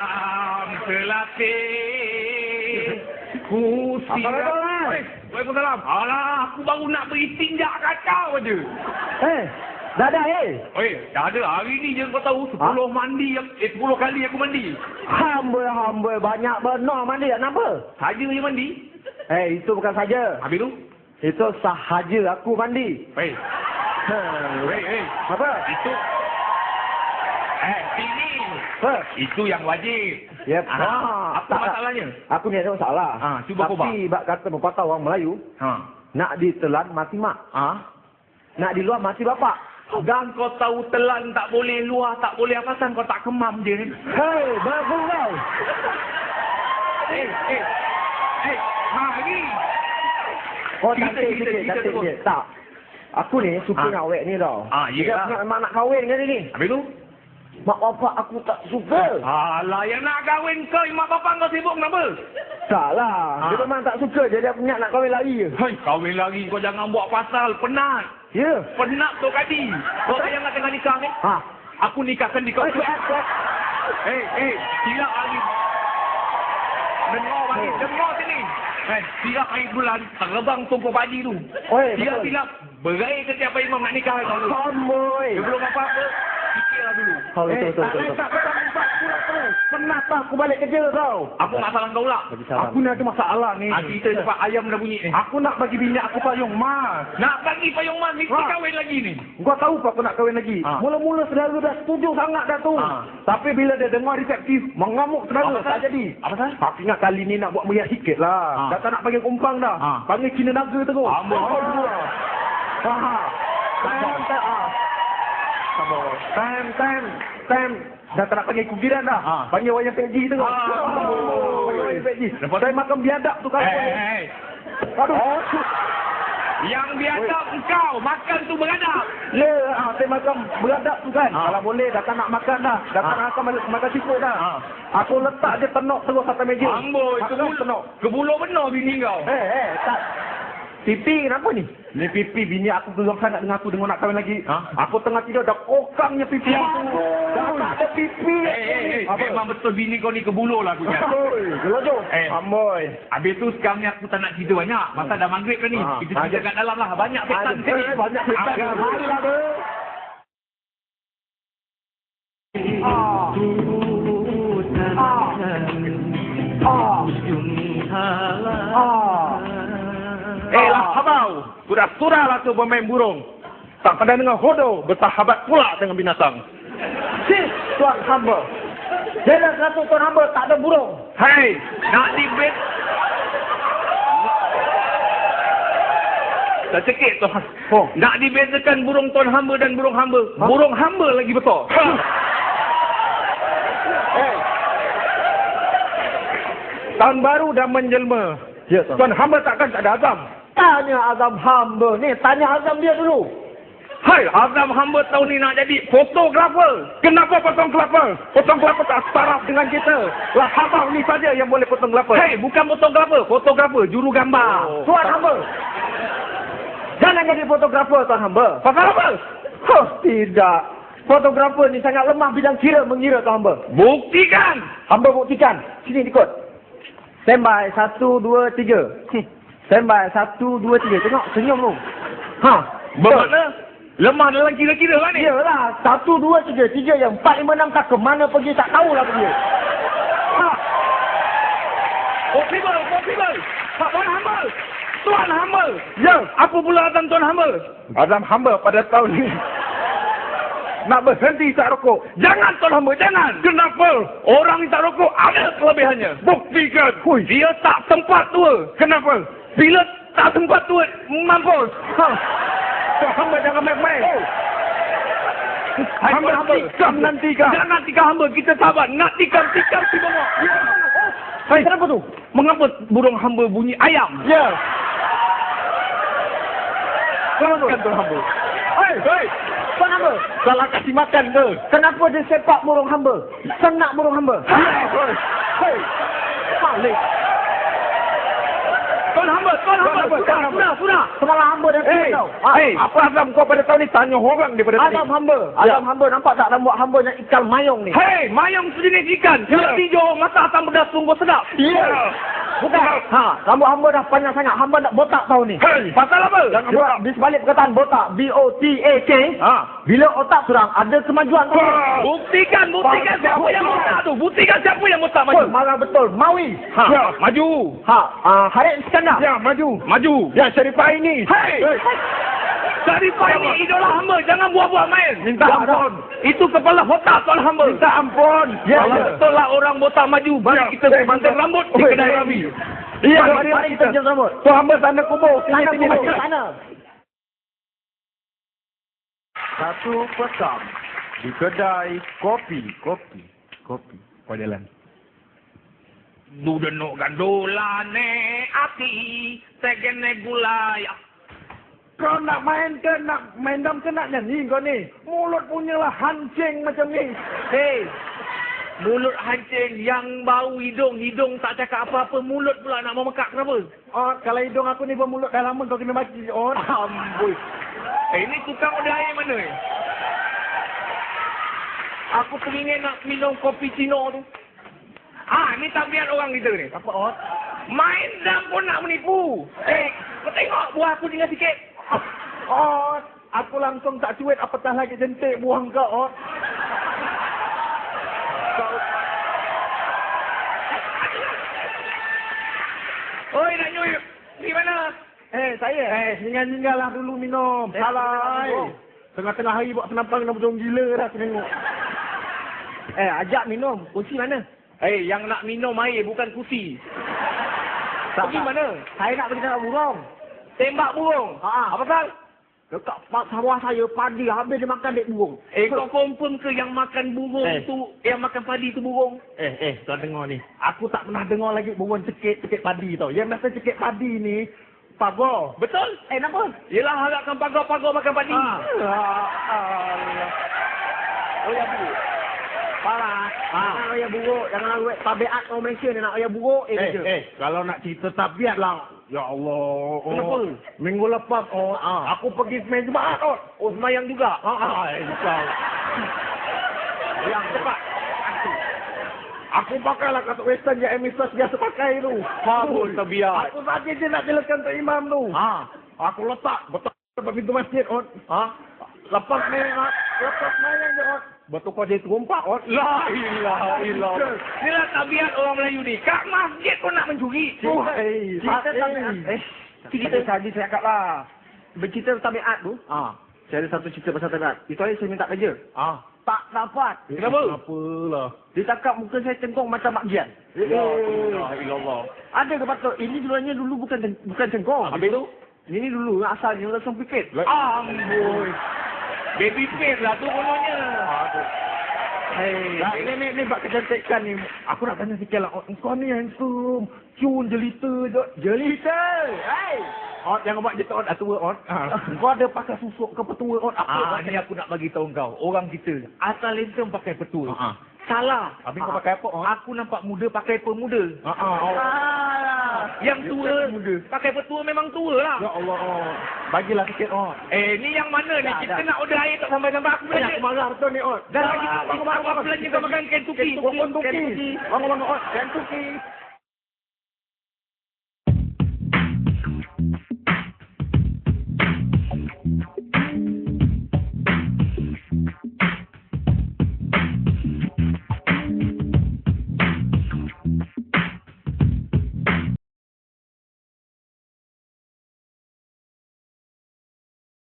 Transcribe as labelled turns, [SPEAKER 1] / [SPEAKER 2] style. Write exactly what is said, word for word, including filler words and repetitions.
[SPEAKER 1] Am selapih ku siap. Waalaikumsalam. Alah, aku baru nak beri tinjak kacau aja.
[SPEAKER 2] Eh, dah ada eh?
[SPEAKER 1] Oi, dah ada. Hari ni je kau tahu sepuluh ha? mandi, eh sepuluh kali aku mandi.
[SPEAKER 2] Hamba, hamba. Banyak benar mandi. Kenapa?
[SPEAKER 1] Saja je mandi.
[SPEAKER 2] Eh, itu bukan saja.
[SPEAKER 1] Habis tu?
[SPEAKER 2] Itu sahaja aku mandi.
[SPEAKER 1] Hei. Hei, hei.
[SPEAKER 2] Apa?
[SPEAKER 1] Itu. Eh, sini.
[SPEAKER 2] Apa?
[SPEAKER 1] Itu yang wajib.
[SPEAKER 2] Yep.
[SPEAKER 1] Ah, ah, apa tak, masalahnya?
[SPEAKER 2] Aku ni ada masalah.
[SPEAKER 1] Ah, cuba kau
[SPEAKER 2] Tapi bak kata pepatah orang Melayu,
[SPEAKER 1] ha.
[SPEAKER 2] nak ditelan mati mak.
[SPEAKER 1] Ah.
[SPEAKER 2] Nak di luar mati bapak.
[SPEAKER 1] Dan kau tahu telan tak boleh, luar tak boleh, apa san kau tak kemam je ni.
[SPEAKER 2] Hei, bagus kau.
[SPEAKER 1] Eh, eh. Eh, mari.
[SPEAKER 2] Oh, cantik sikit, cantik sikit. Tak. Aku ni suka
[SPEAKER 1] Ah.
[SPEAKER 2] dengan awek ni tau.
[SPEAKER 1] Ah,
[SPEAKER 2] Dia
[SPEAKER 1] yelah.
[SPEAKER 2] memang nak kahwin dengan dia ni.
[SPEAKER 1] Habis tu?
[SPEAKER 2] Mak bapak aku tak suka.
[SPEAKER 1] Alah, yang nak kahwin kau, mak bapak kau sibuk kenapa?
[SPEAKER 2] Tak lah.
[SPEAKER 1] Ah.
[SPEAKER 2] Dia memang tak suka. Jadi aku nak kahwin lari je.
[SPEAKER 1] Hai, kahwin lagi kau jangan buat pasal. Penat.
[SPEAKER 2] Ya. Yeah.
[SPEAKER 1] Penat tu kadi. Kau yang nak tengah nikah ni?
[SPEAKER 2] Ha.
[SPEAKER 1] Aku nikahkan di kau.
[SPEAKER 2] Eh, eh, eh.
[SPEAKER 1] Eh, eh, silap lagi. Dengar lagi, dengar sini. Eh, silap air bulan, terbang tumpuk padi tu.
[SPEAKER 2] Oi,
[SPEAKER 1] Silap,
[SPEAKER 2] betul.
[SPEAKER 1] silap. Berai setiap imam nak nikah kau.
[SPEAKER 2] Amboi.
[SPEAKER 1] Sebelum apa-apa, fikirlah dulu.
[SPEAKER 2] Oh, betul,
[SPEAKER 1] Eh,
[SPEAKER 2] betul,
[SPEAKER 1] tak
[SPEAKER 2] betul,
[SPEAKER 1] boleh
[SPEAKER 2] betul.
[SPEAKER 1] tak petang empat pulang terus.
[SPEAKER 2] Penat lah aku balik kerja tau.
[SPEAKER 1] Apa masalah kau lah?
[SPEAKER 2] Bagi salam.
[SPEAKER 1] Aku ni ada masalah ni. Ah, kita cepat ayam dah bunyi ni.
[SPEAKER 2] Aku nak bagi bini aku payung mas.
[SPEAKER 1] Nak bagi payung mas, mesti
[SPEAKER 2] Ha.
[SPEAKER 1] kahwin lagi ni.
[SPEAKER 2] Kau tahu apa aku nak kahwin lagi?
[SPEAKER 1] Ha.
[SPEAKER 2] Mula-mula saudara dah setuju sangat dah tu.
[SPEAKER 1] Ha.
[SPEAKER 2] Tapi bila dia dengar reseptif, mengamuk saudara.
[SPEAKER 1] Apa
[SPEAKER 2] Tak
[SPEAKER 1] pasal?
[SPEAKER 2] jadi.
[SPEAKER 1] Apa pasal?
[SPEAKER 2] Aku ingat kali ni nak buat meriah sikit lah.
[SPEAKER 1] Ha.
[SPEAKER 2] Dah tak nak panggil kumpang dah.
[SPEAKER 1] Ha.
[SPEAKER 2] Panggil Cina Naga terus.
[SPEAKER 1] Amboi.
[SPEAKER 2] Ha. Ha. Time, time. Ha. Time, time. Time. Dah tak nak panggil kugiran dah.
[SPEAKER 1] Ha.
[SPEAKER 2] Panggil wayang P G terus.
[SPEAKER 1] Ha.
[SPEAKER 2] Panggil wayang P G.
[SPEAKER 1] Lepas tu?
[SPEAKER 2] Saya makan biadab tu kan.
[SPEAKER 1] Eh, eh, eh.
[SPEAKER 2] Aduh.
[SPEAKER 1] Yang biadab engkau, makan tu beradab.
[SPEAKER 2] Ya, ah, saya makan beradab tu kan.
[SPEAKER 1] Ha.
[SPEAKER 2] Kalau boleh, dah tak nak makan dah. Dah tak
[SPEAKER 1] Ha.
[SPEAKER 2] nak makan, makan siput dah.
[SPEAKER 1] Ha.
[SPEAKER 2] Aku letak dia tenok terus atas meja.
[SPEAKER 1] Amboi,
[SPEAKER 2] Makan
[SPEAKER 1] kebul
[SPEAKER 2] tenok.
[SPEAKER 1] kebulur benar bini kau.
[SPEAKER 2] Eh, eh, tak. Pipi kenapa ni? Ni pipi bini aku geram sangat dengan aku dengar nak kahwin lagi.
[SPEAKER 1] Ha?
[SPEAKER 2] Aku tengah tidur dah kokangnya pipi aku. Dah tak ada pipi.
[SPEAKER 1] Eh, eh, eh,
[SPEAKER 2] Apa?
[SPEAKER 1] memang betul bini kau ni kebulur lah aku cakap.
[SPEAKER 2] Amboi, gelojoh.
[SPEAKER 1] Eh.
[SPEAKER 2] Amboi.
[SPEAKER 1] Habis tu sekarang ni aku tak nak cerita banyak. Pasal dah maghrib kan ni.
[SPEAKER 2] Ha.
[SPEAKER 1] Kita cerita kat dalam lah. Banyak setan
[SPEAKER 2] Ada,
[SPEAKER 1] sini.
[SPEAKER 2] banyak setan.
[SPEAKER 1] Ah,
[SPEAKER 2] Marilah tu.
[SPEAKER 1] Eh lah habau. Sudah-sudah lah tu pemain burung. Tak pandai dengan hodo. Bersahabat pula dengan binatang.
[SPEAKER 2] Sis, tuan hamba. Jalan satu tuan hamba tak ada burung.
[SPEAKER 1] Hei, nak dibet. Tak cekik tu.
[SPEAKER 2] Oh.
[SPEAKER 1] Nak dibezakan burung tuan hamba dan burung hamba.
[SPEAKER 2] Ha?
[SPEAKER 1] Burung hamba lagi betul.
[SPEAKER 2] Eh. Tahun baru dah menjelma. Ya, tuan. Tuan hamba takkan tak ada azam. Tanya azam hamba ni. Tanya azam dia dulu.
[SPEAKER 1] Hai, azam hamba tahun ni nak jadi fotografer. Kenapa potong kelapa?
[SPEAKER 2] Potong kelapa tak setaraf dengan kita. Lah habang ni saja yang boleh potong kelapa.
[SPEAKER 1] Hei, bukan fotografer. Fotografer, juru gambar.
[SPEAKER 2] Oh. Tuan hamba. Jangan jadi fotografer tuan hamba.
[SPEAKER 1] Pasal apa?
[SPEAKER 2] Oh, tidak. Fotografer ni sangat lemah bidang kira mengira tuan hamba.
[SPEAKER 1] Buktikan.
[SPEAKER 2] Hamba buktikan. Sini ikut. Standby. Satu, dua, tiga. Standby. Satu, dua, tiga. Tengok. Senyum tu. Ha.
[SPEAKER 1] Bermakna lemah dalam kira-kira lah ni.
[SPEAKER 2] Iyalah. Satu, dua, tiga. Tiga yang empat, lima, enam. Tak ke mana pergi. Tak tahulah pergi. Ha.
[SPEAKER 1] Possible, possible. Pak Tuan hamba. Tuan hamba.
[SPEAKER 2] Ya.
[SPEAKER 1] Apa pula azam tuan hamba?
[SPEAKER 2] Azam hamba pada tahun ni. Nak berhenti tak rokok.
[SPEAKER 1] Jangan tuan hamba, jangan. Kenapa? Orang ni tak rokok ada kelebihannya. Buktikan.
[SPEAKER 2] Hui.
[SPEAKER 1] Dia tak sempat tua.
[SPEAKER 2] Kenapa?
[SPEAKER 1] Bila tak sempat tua, mampus.
[SPEAKER 2] Ha. Tuan hamba jangan main-main. Oh. Hamba, hamba. Tikam nanti kah?
[SPEAKER 1] Jangan tikam hamba. Kita sabar. Nak tikam, tikam si bawah.
[SPEAKER 2] Ya. Hai, kenapa tu?
[SPEAKER 1] Mengapa burung hamba bunyi ayam?
[SPEAKER 2] Ya. Kenapa tu?
[SPEAKER 1] Kan tuan hamba.
[SPEAKER 2] Hai, hai. Tuan hamba.
[SPEAKER 1] Salah kasih makan ke?
[SPEAKER 2] Kenapa dia sepak burung hamba? Senak burung hamba.
[SPEAKER 1] Hai.
[SPEAKER 2] Hei. Balik.
[SPEAKER 1] Tuan hamba, tuan hamba. Sudah, sudah, sudah.
[SPEAKER 2] Semalam hamba dah
[SPEAKER 1] Hei,
[SPEAKER 2] tau. Ha.
[SPEAKER 1] hei, apa Azam kau pada tahun ni tanya orang daripada tadi?
[SPEAKER 2] Adam hamba.
[SPEAKER 1] Ya.
[SPEAKER 2] Adam hamba nampak tak rambut hamba yang ikan mayong ni?
[SPEAKER 1] Hei, mayang sejenis ikan.
[SPEAKER 2] Ya.
[SPEAKER 1] Yang hijau, mata hitam pedas sungguh sedap.
[SPEAKER 2] Ya. Bukan. Ha, rambut hamba dah panjang sangat. Hamba nak botak tahun ni.
[SPEAKER 1] Hei, pasal apa? Jangan
[SPEAKER 2] Sebab
[SPEAKER 1] botak.
[SPEAKER 2] di sebalik perkataan botak, B O T A K,
[SPEAKER 1] Ha.
[SPEAKER 2] bila otak surang ada kemajuan tu.
[SPEAKER 1] Buktikan, buktikan
[SPEAKER 2] Bang,
[SPEAKER 1] siapa yang botak tu. Buktikan siapa yang botak
[SPEAKER 2] Betul,
[SPEAKER 1] maju.
[SPEAKER 2] marah betul. Mawi.
[SPEAKER 1] Ha, ya, maju.
[SPEAKER 2] Ha, uh, Harith Iskandar.
[SPEAKER 1] Ya, maju. Maju. Ya, Syarifah ini. Hei. Syarifah ini idola hamba. Jangan buat-buat main.
[SPEAKER 2] Minta ampun.
[SPEAKER 1] Itu kepala otak tuan hamba.
[SPEAKER 2] Minta ampun. Ya,
[SPEAKER 1] Kalau
[SPEAKER 2] ya.
[SPEAKER 1] betul lah orang botak maju. Mari
[SPEAKER 2] Ya.
[SPEAKER 1] kita mantan rambut di
[SPEAKER 2] Oi.
[SPEAKER 1] kedai Rabi.
[SPEAKER 2] Iya,
[SPEAKER 1] Mari,
[SPEAKER 2] mari, mari kita jam rambut.
[SPEAKER 1] Tuan hamba sana kubur. Sini,
[SPEAKER 2] Sana
[SPEAKER 1] sini.
[SPEAKER 2] kubur, sana. Satu petang di kedai kopi, kopi, kopi.
[SPEAKER 1] Kau jalan. Du denuk gandolane ati tegene gulai.
[SPEAKER 2] Kau nak main ke nak main dam ke nak nyanyi kau ni? Mulut punya lah hancing macam ni.
[SPEAKER 1] Hei, mulut hancing yang bau hidung, hidung tak cakap apa-apa, mulut pula nak memekak kenapa?
[SPEAKER 2] Oh, kalau hidung aku ni bermulut dah lama kau kena maki. Oh,
[SPEAKER 1] Amboi. Eh, ini tukang udah air mana ni? Aku teringin nak minum kopi Cino tu. Ah, ni tabiat orang kita ni.
[SPEAKER 2] apa Ot?
[SPEAKER 1] Main dam pun nak menipu. Eh, kau tengok buah aku tinggal sikit.
[SPEAKER 2] Ot, aku langsung tak cuit apatah lagi jentik buang kau Ot. Kau
[SPEAKER 1] Oi, nak nyuip. Di mana?
[SPEAKER 2] Eh, saya eh tinggal-tinggallah dulu minum. Salah. Eh. Tengah-tengah hari buat penampang dah macam gila dah aku tengok. Eh, ajak minum. Kunci mana?
[SPEAKER 1] Eh, yang nak minum air bukan kursi.
[SPEAKER 2] Tak,
[SPEAKER 1] Pergi
[SPEAKER 2] tak.
[SPEAKER 1] mana?
[SPEAKER 2] Saya nak pergi tengok burung.
[SPEAKER 1] Tembak burung.
[SPEAKER 2] Ha.
[SPEAKER 1] Apa pasal?
[SPEAKER 2] Dekat pak sawah saya padi habis dia makan dek burung.
[SPEAKER 1] Eh, kau confirm ke yang makan burung
[SPEAKER 2] Eh.
[SPEAKER 1] tu, yang makan padi tu burung?
[SPEAKER 2] Eh, eh, kau dengar ni. Aku tak pernah dengar lagi burung cekik-cekik padi tau. Yang biasa cekik padi ni, pagar.
[SPEAKER 1] Betul?
[SPEAKER 2] Eh, kenapa?
[SPEAKER 1] Yelah, harapkan pagar-pagar makan padi.
[SPEAKER 2] Ha. Allah. Oh, ya, buruk. Parah.
[SPEAKER 1] Ha.
[SPEAKER 2] Jangan ayah buruk. Jangan awet tabiat orang Malaysia ni nak ayah buruk. Eh,
[SPEAKER 3] Eh,
[SPEAKER 2] je.
[SPEAKER 3] eh, kalau nak cerita tabiat lah. Ya Allah. Oh,
[SPEAKER 2] Kenapa?
[SPEAKER 3] Minggu lepas, oh,
[SPEAKER 2] Ah.
[SPEAKER 3] aku pergi semain Jumaat, oh.
[SPEAKER 1] Oh, semayang juga?
[SPEAKER 3] Ah, ah, eh, kau.
[SPEAKER 2] Yang cepat.
[SPEAKER 3] Aku pakai lah katuk western yang emisas biasa pakai tu.
[SPEAKER 1] Kabul tabiat.
[SPEAKER 3] Aku saja je nak jelaskan Tok Imam tu.
[SPEAKER 2] Ha.
[SPEAKER 3] Aku letak betul depan pintu masjid, oh.
[SPEAKER 2] Ha?
[SPEAKER 3] Lepas main, ah, lepas main je, oh. Betul kau jadi terumpak, oh.
[SPEAKER 1] La ilaha illallah. Inilah tabiat orang Melayu ni. Kat masjid pun nak mencuri.
[SPEAKER 3] Oh, eh,
[SPEAKER 2] Cerita
[SPEAKER 3] eh.
[SPEAKER 2] tabiat. Eh, cerita tadi saya cakap lah. Bercerita tabiat tu. Ha. Saya ada satu cerita pasal tabiat. Itu hari saya minta kerja.
[SPEAKER 3] Ah.
[SPEAKER 2] Tak dapat.
[SPEAKER 1] Kenapa?
[SPEAKER 3] Apalah.
[SPEAKER 2] Dia cakap muka saya cengkong macam Mak Gian.
[SPEAKER 1] La ilaha illallah.
[SPEAKER 2] Ada ke patut? Ini dulunya dulu bukan ceng- bukan cengkong.
[SPEAKER 1] Habis tu?
[SPEAKER 2] Ini dulu asalnya langsung pipit.
[SPEAKER 1] Amboi. Baby face lah tu kononnya.
[SPEAKER 2] Hei,
[SPEAKER 3] Nah, ni, ni, ni, bak kecantikan ni. Aku nak tanya sikit lah. Oh, kau ni handsome. Cun, jelita je.
[SPEAKER 2] jelita. Hei.
[SPEAKER 3] Oh, jangan buat jetot dah tua, oh. Kau ada pakai susuk ke petua, oh.
[SPEAKER 1] Ah,
[SPEAKER 3] Apa?
[SPEAKER 1] ni aku nak bagi tahu kau. Orang kita asal lenteng pakai petua.
[SPEAKER 3] Ah, ah.
[SPEAKER 1] Salah.
[SPEAKER 3] Habis kau pakai apa, oh?
[SPEAKER 1] Aku nampak muda pakai pemuda.
[SPEAKER 3] Ah, ah, oh.
[SPEAKER 2] Alah.
[SPEAKER 1] Yang tua
[SPEAKER 3] muda.
[SPEAKER 1] pakai petua memang tua lah.
[SPEAKER 3] Ya Allah, oh. Bagilah sikit, oh.
[SPEAKER 1] Eh, ni yang mana ni?
[SPEAKER 2] Dah,
[SPEAKER 1] Kita
[SPEAKER 2] dah.
[SPEAKER 1] nak order air tak sampai-sampai aku
[SPEAKER 3] Banyak
[SPEAKER 1] belanja.
[SPEAKER 3] aku marah betul ni, oh.
[SPEAKER 1] Dan lagi tu, aku belanja kau makan Kentucky.
[SPEAKER 3] Kentucky. Bangun, bangun, oh. Kentucky.